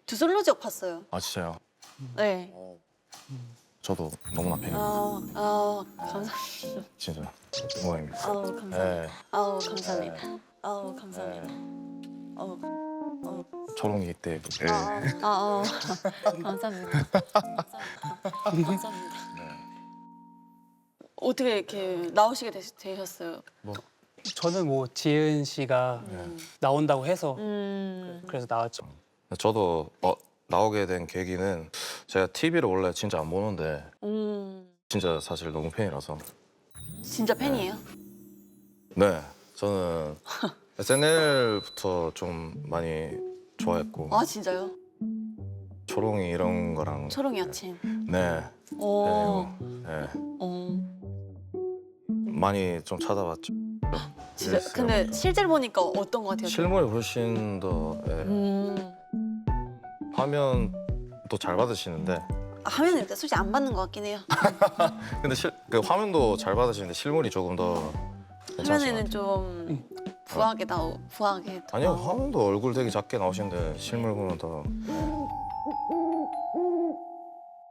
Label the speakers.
Speaker 1: 두 솔로 지역 봤어요.
Speaker 2: 아 진짜요?
Speaker 1: 네.
Speaker 2: 저도 너무나 팬이에요.
Speaker 1: 감사합니다.
Speaker 2: 진짜 영광입니다.
Speaker 1: 감사합니다.
Speaker 2: 네.
Speaker 1: 감사합니다. 감사합니다.
Speaker 2: 초롱이 때. 네.
Speaker 1: 감사합니다. 감사합니다.
Speaker 2: 네.
Speaker 1: 어떻게 이렇게 나오시게 되셨어요?
Speaker 2: 뭐
Speaker 3: 저는 뭐 지은 씨가 나온다고 해서 그래서 나왔죠.
Speaker 2: 저도 나오게 된 계기는 제가 TV를 원래 진짜 안 보는데 진짜 사실 너무 팬이라서.
Speaker 1: 진짜 팬이에요?
Speaker 2: 네, 저는 SNL부터 좀 많이 좋아했고
Speaker 1: 아 진짜요?
Speaker 2: 초롱이 이런 거랑
Speaker 1: 초롱이 아침.
Speaker 2: 네,
Speaker 1: 오.
Speaker 2: 네, 많이 좀 찾아봤죠.
Speaker 1: 진짜.
Speaker 2: 그랬어요.
Speaker 1: 근데 실제로 보니까 어떤 것 같아요?
Speaker 2: 실물이 훨씬 더 화면도 잘 받으시는데
Speaker 1: 화면은 일단 솔직히 안 받는 것 같긴 해요.
Speaker 2: 근데 그 화면도 잘 받으시는데 실물이 조금 더
Speaker 1: 화면에는 좀 부하게
Speaker 2: 아니요, 화면도 얼굴 되게 작게 나오시는데 실물 보면 더